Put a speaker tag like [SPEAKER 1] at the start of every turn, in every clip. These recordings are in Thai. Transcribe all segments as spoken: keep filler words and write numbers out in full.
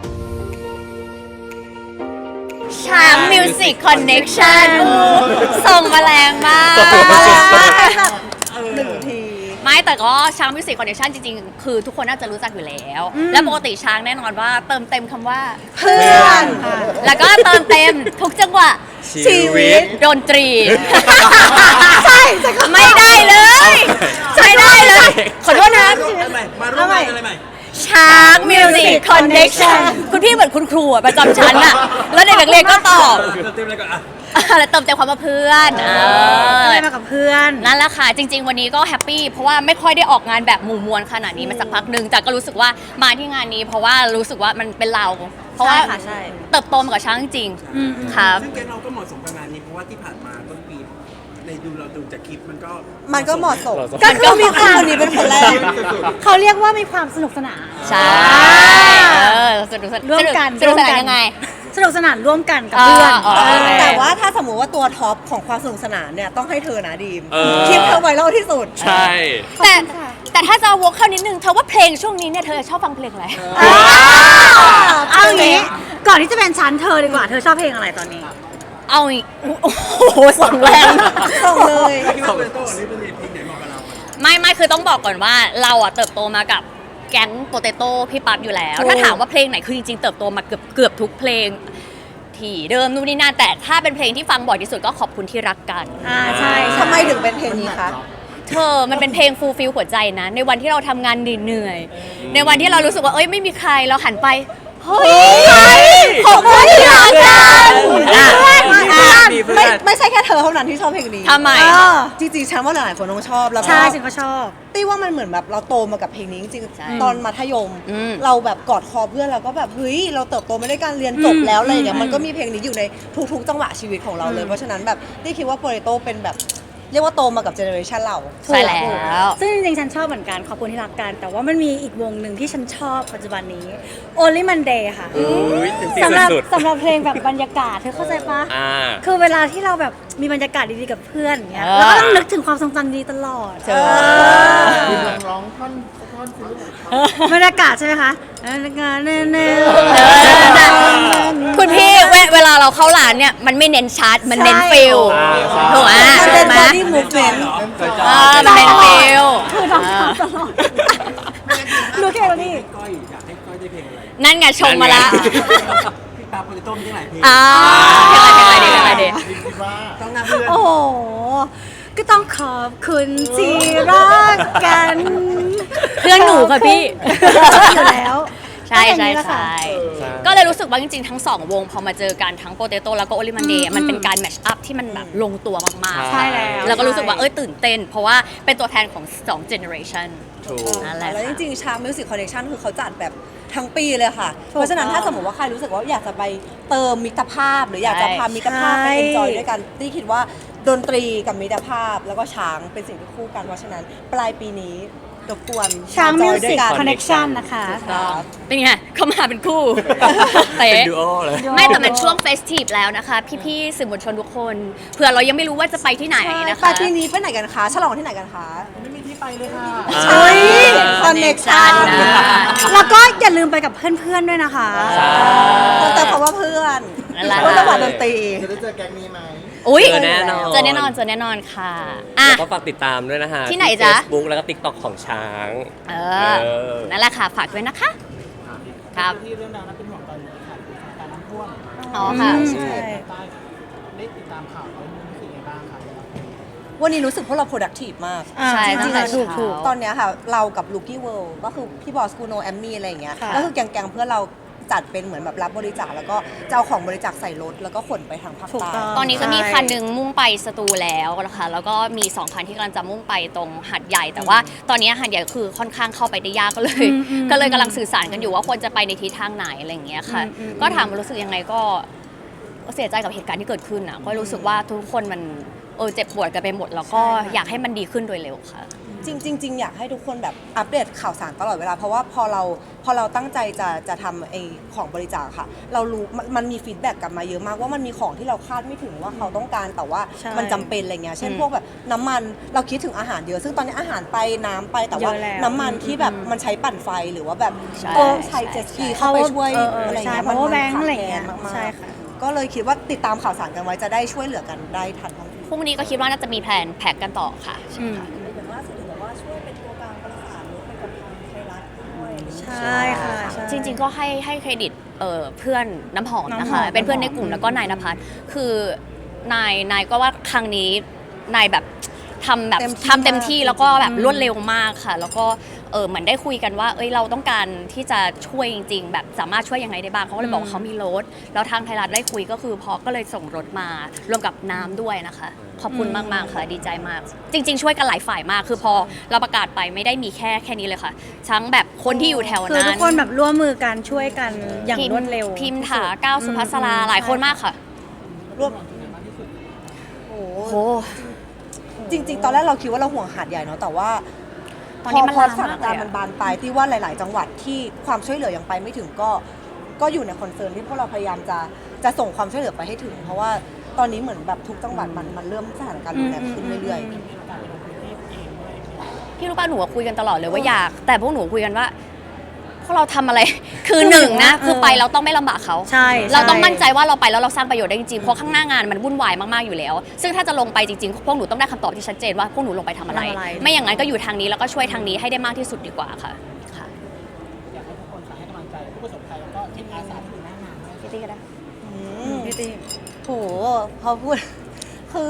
[SPEAKER 1] ช้างมิวสิกคอนเน็กชันส่งมาแรงมาก
[SPEAKER 2] หนึ่งที
[SPEAKER 1] ไม่แต่ก็ช้างมิวสิกคอนเน็กชันจริงๆคือทุกคนน่าจะรู้จักอยู่แล้ว และปกติช้างแน่นอนว่าเติมเต็มคำว่า
[SPEAKER 2] เพื่อน
[SPEAKER 1] แล้วก็เติมเต็มทุกจังหวะ
[SPEAKER 3] ชีวิต
[SPEAKER 1] ดนตรี
[SPEAKER 2] ใช่
[SPEAKER 1] ไม่ได้เลยไม่ได้เลยขอโทษนะ
[SPEAKER 3] มาร่วมงานอะไรใหม่
[SPEAKER 1] ช้างมิวสิกคอนเน็กชันคุณพี่เหมือนคุณครูประจำชั้นอะแล้วเด็กนักเรียนก็ตอบ
[SPEAKER 3] เต็มเลยก่อนอ่ะ
[SPEAKER 1] แล้วเติมเต็มความว่าเพื่อน
[SPEAKER 2] อะไรมากับเพื่อน
[SPEAKER 1] นั่นแหละค่ะจริงๆวันนี้ก็แฮปปี้เพราะว่าไม่ค่อยได้ออกงานแบบหมู่มวลขนาดนี้มาสักพักหนึ่งแต่ก็รู้สึกว่ามาที่งานนี้ เพราะว่ารู้สึกว่ามันเป็นเราเพราะว่าเติบโตมากับช้างจริงๆครับ
[SPEAKER 3] ซึ่งเกณฑ์เราก็เหมาะสมกับงานนี้เพราะว่าที่ผ่านมาต้นปีในดูเราดูจากคลิปมันก็
[SPEAKER 2] มันก็เหมาะสมก็คือมีความคนนี้เป็นคนแรกเขาเรียกว่ามีความสนุกสนาน
[SPEAKER 1] ใช่สนุกสนานร่วมกันสนุกสนานยังไง
[SPEAKER 2] สนุกสนานร่วมกันกับเพื่อนแต่ว่าถ้าสมมติว่าตัวท็อปของความสนุกสนานเนี่ยต้องให้เธอนะดีมคลิปเธอไวรัลที่สุด
[SPEAKER 3] ใช่
[SPEAKER 1] แต่แต่ถ้าจะวกเข้านิดนึงเธอว่าเพลงช่วงนี้เนี่ยเธอชอบฟังเพลงอะไร
[SPEAKER 2] เอางี้ก่อนที่จะเป็นชั้นเธอดีกว่าเธอชอบเพลงอะไรตอนนี้
[SPEAKER 1] เอาอีกโอ้โหส่งแรง
[SPEAKER 2] ส่งเลย
[SPEAKER 1] ไม่ไม่คือต้องบอกก่อนว่าเราอะเติบโตมากับแก๊งโปเตโต้พี่ปั๊บอยู่แล้วถ้าถามว่าเพลงไหนคือจริงๆเติบโตมาเกือบเกือบทุกเพลงที่เดิมนู่นนี่นั่นแต่ถ้าเป็นเพลงที่ฟังบ่อยที่สุดก็ขอบคุณที่รักกัน
[SPEAKER 2] อ่าใช่ทำไมถึงเป็นเพลงนี้คะ
[SPEAKER 1] เธอมันเป็นเพลงฟูลฟิลหัวใจนะในวันที่เราทำงานเหนื่อยในวันที่เรารู้สึกว่าเอ้ยไม่มีใครเราหันไปเฮ้ยขอบคุณที่รักกัน
[SPEAKER 2] ไม่ไม่ใช่แค่เธอเท่านั้นที่ชอบเพลงนี้
[SPEAKER 1] ทำไม
[SPEAKER 2] จริงๆฉันว่าหลายๆคนต้องชอบแล้วก็ใช่ฉันก็ชอบตีว่ามันเหมือนแบบเราโตมากับเพลงนี้จริงๆตอนมัธยมเราแบบกอดคอเพื่อนเราก็แบบเฮ้ยเราเติบโตมาด้วยการเรียนจบแล้วอะไรอย่างเงี้ยมันก็มีเพลงนี้อยู่ในทุกๆจังหวะชีวิตของเราเลยเพราะฉะนั้นแบบตีคิดว่าโปเตโต้เป็นแบบเรียกว่าโตมากับเจเนอเรชันเรา
[SPEAKER 1] ใช่แล้ว
[SPEAKER 2] ซึ่งจริงๆฉันชอบเหมือนกันขอบคุณที่รักกันแต่ว่ามันมีอีกวงหนึ่งที่ฉันชอบปัจจุบันนี้ Only Monday ค่ะสำหรับสำหรับเพลงแบบบรรยากาศเธอเข้าใจปะคือเวลาที่เราแบบมีบรรยากาศดีๆกับเพื่อนเงี้ยเราก็ต้องนึกถึงความทรงจำดีตลอดร้องท่อนท่อนบรรยากาศใช่ไหมคะ
[SPEAKER 1] คุณพี่เวลาเราเข้าร้านเนี่ยมันไม่เน้นชาร์ตมันเน้นฟิลถูกไหม
[SPEAKER 2] มันเป็น body movement
[SPEAKER 1] มันเน้นฟิล
[SPEAKER 2] คือเราทำตลอดรู้แค่นี้
[SPEAKER 3] ก้อยอยากให้ก้อยได้เพลงอะไร
[SPEAKER 1] นั่นไงชมมาละ
[SPEAKER 3] พี่ตาโปเตโต้มีหลายเพลง
[SPEAKER 1] อ่าเพลงอะไรเพลงอะไรดี
[SPEAKER 3] ต้องนับเพื่อน
[SPEAKER 2] โอ้โหก็ต้องขอบคุณที่รักกัน
[SPEAKER 1] เพื่อนหนูค่ะพี่
[SPEAKER 2] อยู่แล้ว
[SPEAKER 1] ใช่ใช่ใช่ก็เลยรู้สึกว่าจริงๆทั้งสองวงพอมาเจอกันทั้งโปเตโต้แล้วก็โอลิมันเดย์มันเป็นการแมทช์อัพที่มันแบบลงตัวมากๆ
[SPEAKER 2] ใช่แล้ว
[SPEAKER 1] แล้วก็รู้สึกว่าเอ้ยตื่นเต้นเพราะว่าเป็นตัวแทนของสองเจเนอเรชันนั่นแหละ
[SPEAKER 2] แล้วจริงๆชามิวสิกคอนเนคชั่นคือเขาจัดแบบทั้งปีเลยค่ะเพราะฉะนั้นถ้าสมมติว่าใครรู้สึกว่าอยากจะไปเติมมิตรภาพหรืออยากจะพามิตรภาพไปเอนจอยด้วยกันที่คิดว่าดนตรีกับมิตรภาพแล้วก็ช้างเป็นสิ่งที่คู่กันเพราะฉะนั้นปลายปีนี้รบกวนช้างมิวสิกคอนเนคชั่นนะคะ
[SPEAKER 1] เป็นไงเขามาเป็นคู่
[SPEAKER 3] เป็นดูโอเลย
[SPEAKER 1] ไม่แต่มันช่วงเฟสทีฟแล้วนะคะพี่ๆสื่อมวลชนทุกคนเผื่อเรายังไม่รู้ว่าจะไปที่ไหนนะคะ
[SPEAKER 2] ปลายปีนี้ไปไหนกันคะฉลองที่ไหนกันคะ
[SPEAKER 3] ไม่มีที่ไปเลยค่ะ
[SPEAKER 2] ใช่คอนเนคชั่นแล้วก็อย่าลืมไปกับเพื่อนๆด้วยนะคะแต่เพราะว่าเพื่อนเพราะจังหวะดนตรี
[SPEAKER 4] จะได้เจอแก๊งนี้ไหม
[SPEAKER 1] อุ้ย
[SPEAKER 3] เจอแน่นอน
[SPEAKER 1] เจอแน่นอนเจอแน่นอนค่ะ
[SPEAKER 3] อ่ะก็ฝากติดตามด้วยนะฮะ
[SPEAKER 1] ที่ไหนจ๊ะ
[SPEAKER 3] Facebook แล้วก็ TikTok ของช้าง
[SPEAKER 1] เออนั่นแหละค่ะฝากด้วยนะคะครับ
[SPEAKER 4] ที่เรื่องราวนั้นเป็นห่วงตอนนี้ค่ะการน้ำท่วม
[SPEAKER 1] อ๋อค่ะ
[SPEAKER 4] ใช่ได้ติดตามข่าวแล้วรู้สึกยังไงบ้างคะ
[SPEAKER 2] วันนี้รู้สึกพวกเรา productive มาก
[SPEAKER 1] ใช่
[SPEAKER 2] จริงๆถูกถูกตอนนี้ค่ะเรากับ Lucky World ก็คือพี่บอสกูโนแอมมี่อะไรอย่างเงี้ยก็คือแกงๆเพื่อนเราจัดเป็นเหมือนแบบรับบริจาคแล้วก็จะเอาของบริจาคใส่รถแล้วก็ขนไปทางภาคใต้
[SPEAKER 1] ตอนนี้ก็มีคันหนึ่งมุ่งไปสตูแล้วนะคะแล้วก็มีสองคันที่กำลังจะมุ่งไปตรงหัดใหญ่แต่ว่าตอนนี้หัดใหญ่คือค่อนข้างเข้าไปได้ยากก็เลยก็เลยกำลังสื่อสารกันอยู่ว่าควรจะไปในทิศทางไหนอะไรอย่างเงี้ยค่ะก็ถามรู้สึกยังไงก็เสียใจกับเหตุการณ์ที่เกิดขึ้นอ่ะก็รู้สึกว่าทุกคนมันเออเจ็บปวดกันไปหมดแล้วก็อยากให้มันดีขึ้นโดยเร็วค่ะ
[SPEAKER 5] จริงจริงๆอยากให้ทุกคนแบบอัปเดตข่าวสารตลอดเวลาเพราะว่าพอเราพอเราตั้งใจจะจะทำไอของบริจาคค่ะ เรารู้มันมันมีฟีดแบ็กกลับมาเยอะมากว่ามันมีของที่เราคาดไม่ถึงว่าเขาต้องการแต่ว่า
[SPEAKER 2] ใช่
[SPEAKER 5] มันจำเป็นอะไรเงี้ยเช่น
[SPEAKER 1] อืม
[SPEAKER 5] พวกแบบน้ำมันเราคิดถึงอาหารเยอะซึ่งตอนนี้อาหารไปน้ำไปแต่ว่า
[SPEAKER 2] เยอะแล้ว
[SPEAKER 5] น้ำมันที่แบบ
[SPEAKER 2] อืม
[SPEAKER 5] มันใช้ปั่นไฟหรือว่าแบบ
[SPEAKER 1] ใช่
[SPEAKER 5] เออใช้เจ็ตสกีเข้าไปช่วย
[SPEAKER 2] เออเออ
[SPEAKER 5] อะไร
[SPEAKER 2] ใช่
[SPEAKER 5] เงี้ย
[SPEAKER 2] เพราะว่าแบงค์
[SPEAKER 5] ขาด
[SPEAKER 2] อะไร
[SPEAKER 5] แคล
[SPEAKER 2] เงี้
[SPEAKER 5] น
[SPEAKER 2] ย
[SPEAKER 5] มาก
[SPEAKER 2] ใช่ค่ะ
[SPEAKER 5] ๆก็เลยคิดว่าติดตามข่าวสารกันไว้จะได้ช่วยเหลือกันได้ทันท่วงที
[SPEAKER 1] พรุ่งนี้ก็คิดว่าน่าจะมีแผนแพ็กกันต่อค่ะ
[SPEAKER 2] อืม
[SPEAKER 6] อย่างล่าสุดเห็นบอกว่าช่วยเป็นตัวกลางประสานรถไปกับทางไทยรัฐด้วย
[SPEAKER 2] ใช่ค่ะใช่
[SPEAKER 1] จริงๆก็ให้ให้เครดิตเอ่อเพื่อนน้ำหอมนะ
[SPEAKER 2] น้ำห
[SPEAKER 1] คะ
[SPEAKER 2] อม
[SPEAKER 1] เป็นเพื่อนใน
[SPEAKER 2] น้ำหอม
[SPEAKER 1] กลุ่มแล้วก็นายนภัสคือนายนายก็ว่าครั้งนี้นายแบบทำแบบ
[SPEAKER 5] เต็มที่
[SPEAKER 1] ทำเต็มที่
[SPEAKER 5] มาก
[SPEAKER 1] แล้วก็แบบ
[SPEAKER 2] อืม
[SPEAKER 1] รวดเร็วมากค่ะ แล้วก็เออเหมือนได้คุยกันว่า เอ้ยเราต้องการที่จะช่วยจริง ๆ แบบสามารถช่วยยังไงได้บ้างเขาก็เลยบอกว่าเขามีรถแล้วทางไทยรัฐได้คุยก็คือพอก็เลยส่งรถมารวมกับน้ำด้วยนะคะ ขอบคุณมากๆค่ะดีใจมาก จริง ๆ ช่วยกันหลายฝ่ายมาก คือพอเราประกาศไปไม่ได้มีแค่แค่นี้เลยค่ะ ทั้งแบบคนที่อยู่แถว
[SPEAKER 2] คือ
[SPEAKER 1] นั้น
[SPEAKER 2] ทุกคนแบบร่วมมือกันช่วยกันอย่าง
[SPEAKER 1] พิมพ์
[SPEAKER 2] รวดเร็ว
[SPEAKER 1] พิมพ์
[SPEAKER 2] ที่
[SPEAKER 1] ถา
[SPEAKER 2] สุด
[SPEAKER 1] ก้าวสุภัสรา
[SPEAKER 2] อืม
[SPEAKER 1] หลายคนมากค่ะ
[SPEAKER 5] รวมโอ้
[SPEAKER 1] โอ้
[SPEAKER 5] โห
[SPEAKER 1] โห
[SPEAKER 5] จริง ๆ ตอนแรกเราคิดว่าเราห่วงหาดใหญ่เนาะแต่ว่า
[SPEAKER 1] ตอนนี้มัน
[SPEAKER 5] พอ
[SPEAKER 1] ลาม
[SPEAKER 5] สถานการณ์
[SPEAKER 1] มากเลยอะ
[SPEAKER 5] มันบานปลายที่ว่าหลาย ๆ จังหวัดที่ความช่วยเหลือยังไปไม่ถึงก็ก็อยู่ในคอนเซิร์นที่พวกเราพยายามจะจะส่งความช่วยเหลือไปให้ถึง เพราะว่าตอนนี้เหมือนแบบทุกจังหวัดมันมันเริ่มสถานการณ์รุนแรงขึ้นเรื่อย
[SPEAKER 2] อืม
[SPEAKER 1] พี่รู้ป่ะหนูอะคุยกันตลอดเลยว่าอยาก แต่พวกหนูคุยกันว่าพวกเราทำอะไร คือหนึ่งนะ
[SPEAKER 2] เออ
[SPEAKER 1] คือไปเราต้องไม่ลำบากเขา
[SPEAKER 2] ใช่
[SPEAKER 1] เราต้อง
[SPEAKER 2] ใช่
[SPEAKER 1] มั่นใจว่าเราไปแล้วเราสร้างประโยชน์ได้จริงๆ เพราะข้างหน้างานมันวุ่นวายมากๆอยู่แล้ว ซึ่งถ้าจะลงไปจริงๆ พวกหนูต้องได้คำตอบที่ชัดเจนว่าพวกหนูลงไปทำอะไร
[SPEAKER 2] ทำอะไร
[SPEAKER 1] ไม่อย่างนั้นก็อยู่ทางนี้แล้วก็ช่วยทางนี้ให้ได้มากที่สุดดีกว่าค่ะค่ะ
[SPEAKER 4] อยากให้ทุกคนฝากให้กำลังใจผู้ประสบภัยแล้วก็ทีมอาสาที่อยู่หน้างานด้วย
[SPEAKER 1] พี่ตี้ก็ได้
[SPEAKER 5] ๆอื
[SPEAKER 2] อืม
[SPEAKER 5] ม
[SPEAKER 2] พี่ตี
[SPEAKER 5] โหพอพูด คือ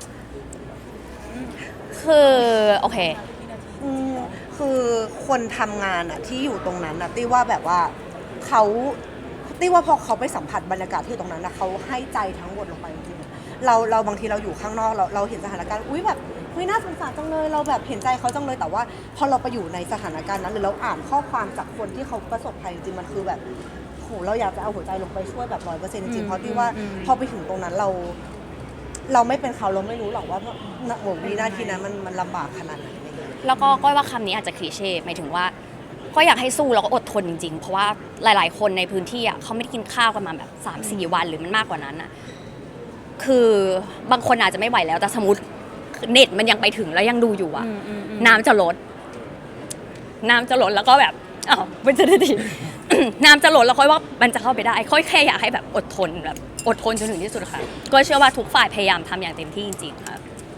[SPEAKER 1] คือโอเค
[SPEAKER 5] อืมคือคนทำงานอะที่อยู่ตรงนั้นอะตี้ว่าแบบว่าเขาตี้ว่าพอเขาไปสัมผัสบรรยากาศที่อยู่ตรงนั้นนะเขาให้ใจทั้งหมดลงไปจริงๆเราเราบางทีเราอยู่ข้างนอกเราเราเห็นสถานการณ์อุ้ยแบบเฮ้ยน่าสงสารจังเลยเราแบบเห็นใจเขาจังเลยแต่ว่า พอเราไปอยู่ในสถานการณ์นั้นหรือเราอ่านข้อความจากคนที่เขาประสบภัยจริงๆมันคือแบบโหเราอยากจะเอาหัวใจลงไปช่วยแบบร้อยเปอร์เซ็นต์จริงๆเพราะตี้ว่า
[SPEAKER 2] อืม
[SPEAKER 5] พอไปถึงตรงนั้นเรา เราไม่เป็นเขาเราไม่รู้หรอกว่าโหวินาทีนั้นมันมันลำบากขนาดไหนอะไรเงี้ย
[SPEAKER 1] แล้วก็ก้อยว่าคำนี้อาจจะคลีเช่หมายถึงว่าก็อยากให้สู้แล้วก็อดทนจริงๆ เพราะว่าหลายๆ คนในพื้นที่อ่ะเขาไม่ได้กินข้าวกันมาแบบสามสี่วันหรือมันมากกว่านั้นอ่ะคือบางคนอาจจะไม่ไหวแล้วแต่สมมติเน็ตมันยังไปถึงแล้วยังดูอยู่อ่ะ
[SPEAKER 2] อืมอืมอืม
[SPEAKER 1] น้ำจะลด น้ำจะลดแล้วก็แบบอ้าวมันจะได้ดี น้ำจะลดแล้วค่อยว่ามันจะเข้าไปได้ค่อยแค่อยากให้แบบอดทนแบบอดทนจนถึงที่สุดค่ะก็เชื่อว่าทุกฝ่ายพยายามทำอย่างเต็มที่จริงๆค่ะ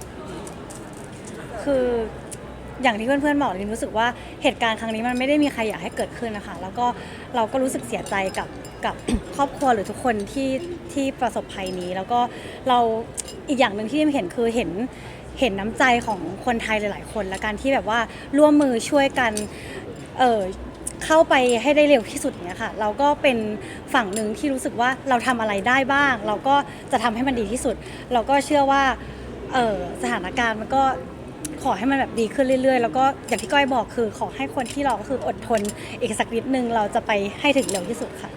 [SPEAKER 2] คืออย่างที่เพื่อนๆบอกลินรู้สึกว่าเหตุการณ์ครั้งนี้มันไม่ได้มีใครอยากให้เกิดขึ้นนะคะแล้วก็เราก็รู้สึกเสียใจกับกับ ครอบครัวหรือทุกคนที่ที่ประสบภัยนี้ แล้วก็เราอีกอย่างหนึ่งที่เห็นคือเห็นเห็นน้ำใจของคนไทยหลายๆคนและการที่แบบว่าร่วมมือช่วยกันเออเข้าไปให้ได้เร็วที่สุดเนี้ยค่ะเราก็เป็นฝั่งหนึ่งที่รู้สึกว่าเราทำอะไรได้บ้าง เราก็จะทำให้มันดีที่สุด เราก็เชื่อว่าเออสถานการณ์มันก็ขอให้มันแบบดีขึ้นเรื่อยๆ แล้วก็อย่างที่ก้อยบอกคือขอให้คนที่รอก็คืออดทนอีกสักนิดนึงเราจะไปให้ถึงเร็วที่สุดค่ะ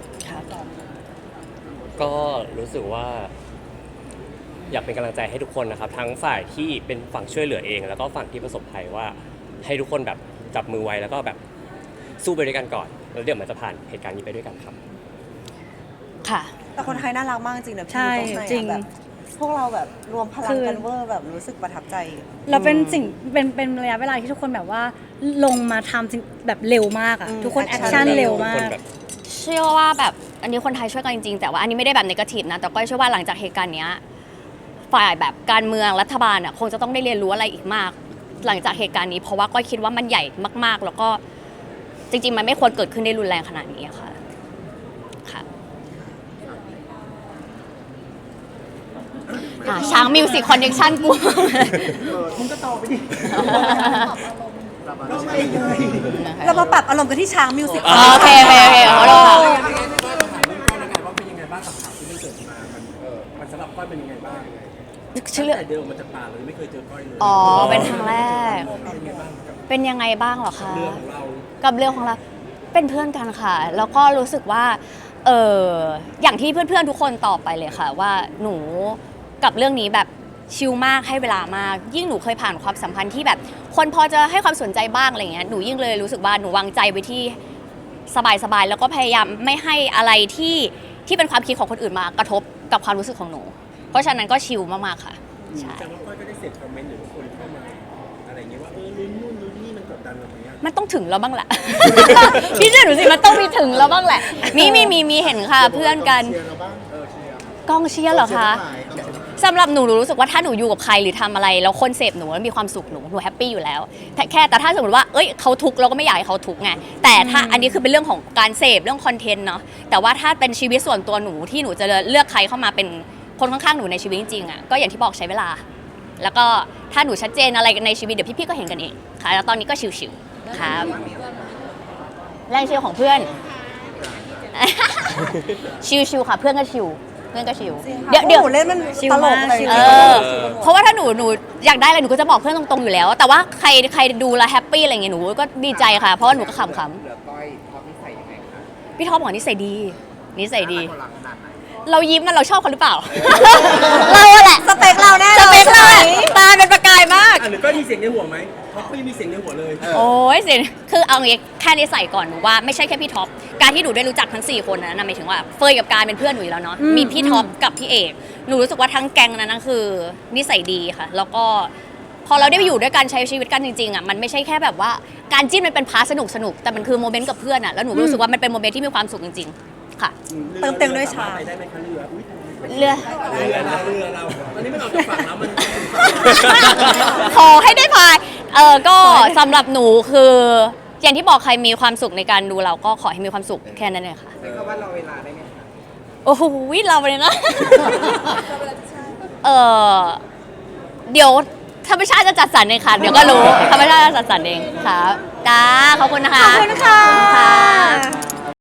[SPEAKER 7] ก็รู้สึกว่า อยากเป็นกำลังใจให้ทุกคนนะครับ ทั้งฝ่ายที่เป็นฝั่งช่วยเหลือเอง แล้วก็ฝั่งที่ประสบภัยว่า ให้ทุกคนแบบจับมือไว้แล้วก็แบบสู้ไปด้วยกันก่อนแล้วเดี๋ยวมันจะผ่านเหตุการณ์นี้ไปด้วยกันครับ
[SPEAKER 1] ค่ะ
[SPEAKER 5] แต่คนไทยน่ารักมากจริงๆนะพี่
[SPEAKER 2] ใช่
[SPEAKER 5] ตรงไหนอะ
[SPEAKER 2] จริง
[SPEAKER 5] แบบพวกเราแบบรวมพลั
[SPEAKER 2] คื
[SPEAKER 5] ง
[SPEAKER 2] อ
[SPEAKER 5] กันเวอร์แบบรู้สึกประทับใจ
[SPEAKER 2] เราเป็นสิ่งเป็นเป็นระยะเวลาที่ทุกคนแบบว่าลงมาทำสิ่งแบบเร็วมากอะ
[SPEAKER 5] อืม
[SPEAKER 2] ทุกคนแอค
[SPEAKER 5] action
[SPEAKER 2] ชั่น
[SPEAKER 5] เร็
[SPEAKER 2] เร็
[SPEAKER 5] ว
[SPEAKER 2] วมา
[SPEAKER 7] ทุกคน
[SPEAKER 2] ก
[SPEAKER 7] แบบ
[SPEAKER 1] เชื่อว่าแบบอันนี้คนไทยช่วยกันจริงๆ แต่ว่าอันนี้ไม่ได้แบบนกาทีฟนะ แต่ก็เชื่อว่าหลังจากเหตุการณ์เนี้ยฝ่ายแบบการเมืองรัฐบาลอ่ะคงจะต้องได้เรียนรู้อะไรอีกมาก หลังจากเหตุการณ์นี้เพราะว่าก็คิดว่ามันใหญ่มากๆ แล้วก็จริงๆ มันไม่ควรเกิดขึ้นได้รุนแรงขนาดนี้อะค่ะค่ะอ่ะช้างมิวสิกคอนเนคชั่นกู
[SPEAKER 4] มึงก็ตอบไปดิ ก็ไม่เลย
[SPEAKER 5] เรามาปรับอารมณ์กันที่ช้างมิวสิก
[SPEAKER 1] อ๋อโอเคโอเคโอเคขอโทษค่ะ
[SPEAKER 3] ก็ถามเรื่องก้อยแล้วกันว่าเป็นยังไงบ้างกับข่าวที่มันเกิดมา มันเออมันสำหรับก้อยเป็นยังไงบ้าง
[SPEAKER 1] ชื่อ
[SPEAKER 3] ตั้งแต่เดินออกมาจากป่าเลยไม่เคยเจอก้อยเลย
[SPEAKER 1] อ๋อเป็นครั้งแรก
[SPEAKER 3] เป็นยังไงบ้างกับ
[SPEAKER 1] เป็นยังไงบ้างเหรอคะ
[SPEAKER 3] เรื่องของเรา
[SPEAKER 1] กับเรื่องของเราเป็นเพื่อนกันค่ะ แล้วก็รู้สึกว่าเอออย่างที่เพื่อนๆทุกคนตอบไปเลยค่ะ ว่าหนูกับเรื่องนี้แบบชิลมากให้เวลามากยิ่งหนูเคยผ่านความสัมพันธ์ที่แบบ คนพอจะให้ความสนใจบ้างอะไรเงี้ยหนูยิ่งเลยรู้สึกว่าหนูวางใจไว้ที่สบายๆแล้วก็พยายามไม่ให้อะไรที่ที่เป็นความคิดของคนอื่นมากระทบกับความรู้สึกของหนู เพราะฉะนั้นก็ชิลมากๆค่ะใช่
[SPEAKER 3] แต่ว่าก้อยก็ได้เสพคอมเมนต์หรือว่าคนเข้ามาอะไรอย่างเงี้ยว่าเออลุ้นนู่นลุ้นนี่มันกดดันเราไหมอะ
[SPEAKER 1] มันต้องถึงแล้วบ้างแหละ พี่เชื่อหนูสิมันต้องมีถึงแล้วบ้างแหละ มีมีมีมีเห็นค่ะเพื่อนกัน
[SPEAKER 8] เชียร์เราบ้างเออเชียร์
[SPEAKER 1] กองเชียร์เหรอคะ
[SPEAKER 8] กองเชียร์ทั้งหลายกองเชียร์ทั้งหลาย
[SPEAKER 1] สำหรับหนูหนูรู้สึกว่าถ้าหนูอยู่กับใครหรือทำอะไรแล้วคนเสพหนูแล้วมีความสุขหนูหนูแฮปปี้อยู่แล้วแต่แค่แต่ถ้าสมมติว่าเอ้ยเขาทุกข์เราก็ไม่อยากให้เขาทุกข์ไงแต่ถ้าอันนี้คือเป็นเรื่องของการเสพเรื่องคอนเทนต์เนาะแต่ว่าถ้าเป็นชีวิตส่วนตัวหนูที่หนูจะเลือกใครเข้ามาเป็นคนข้างๆหนูในชีวิตจริงๆอ่ะก็อย่างที่บอกใช้เวลา แล้วก็ถ้าหนูชัดเจนอะไรในชีวิตเดี๋ยวพี่ๆก็เห็นกันเองค่ะแล้วตอนนี้ก็ชิวๆครับแรงเชียร์ของเพื่อน ชิวๆค่ะเพื่อนก็ชิวเพื่อนก็ชิวเดี๋ยวเดี๋ยว
[SPEAKER 5] หนูเล่นมันตลกเลย
[SPEAKER 1] เออเพราะว่าถ้าหนูหนูอยากได้อะไรหนูก็จะบอกเพื่อนตรงๆอยู่แล้ว แต่ว่าใครใครดูแลแฮปปี้อะไรเงี้ยหนูก็ดีใจค่ะ เพราะว่าหนูก็ขำ
[SPEAKER 8] เหลือก้อยท็อปนิสัยยังไงคะ
[SPEAKER 1] ๆพี่ท็อปบอกนิสัยดีนิสัยดี
[SPEAKER 8] น่ารักขนาดไหน
[SPEAKER 1] เรายิ้มมันเราชอบเขาหรือเปล่า เราอะแหละ
[SPEAKER 5] สเปคเราแน่
[SPEAKER 1] ส
[SPEAKER 5] เลย
[SPEAKER 1] เปคเราอะตาเป็นประกายมาก
[SPEAKER 3] อ่ะหรือก็มีเสียงในหัวไหมเพราะไม่มีเสียงในหัวเลย
[SPEAKER 1] โอ้ยเสียคือเอางี้แค่นิสัยก่อนหนูว่าไม่ใช่แค่พี่ท็อปการที่หนูได้รู้จักทั้งสี่คนนั้นนะหมายถึงว่าเฟยกับการเป็นเพื่อนหนูอยู่แล้วเนาะมีพี่ท็อปกับพี่เอกหนูรู้สึกว่าทั้งแก๊งนั้นนะคือนิสัยดีค่ะ แล้วก็พอเราได้ไปอยู่ด้วยกันใช้ชีวิตกันจริงๆอ่ะมันไม่ใช่แค่แบบว่าการจิ้นมันเป็นพาร์ทสนุกสนุกแต่มันคือโมเมนต์กับเพื่อนอ่ะแล้วหนูรู้สึกว่ามันเป็นโมเมนต์ที่มีความสุขจริงๆค่ะ
[SPEAKER 5] เติมเต็มด้วยชา
[SPEAKER 3] ไปได้ไหมคะเรืออุ๊ย
[SPEAKER 1] เรือ
[SPEAKER 3] เรือเราเรือเราตอนนี้มันออกจากฝั่งแล้วมัน
[SPEAKER 1] ขอให้ได้พายเออก็สำหรับหนูคืออย่างที่บอกใครมีความสุขในการดูเราก็ขอให้มีความสุขแค่นั้นเลยค่ะ
[SPEAKER 8] ใช้คำว่าเราเวลาได้ไหมคะ
[SPEAKER 1] โอ้โหเราเลยนะ เออเดี๋ยวธรรมชาติจะจัดสรรเองค่ะ เดี๋ยวก็รู้ธรรมชาติจะจัดสรรเองค่ะจ้าขอบคุณนะคะ
[SPEAKER 5] ขอบคุณค่ะ
[SPEAKER 1] ขอบคุณค่ะ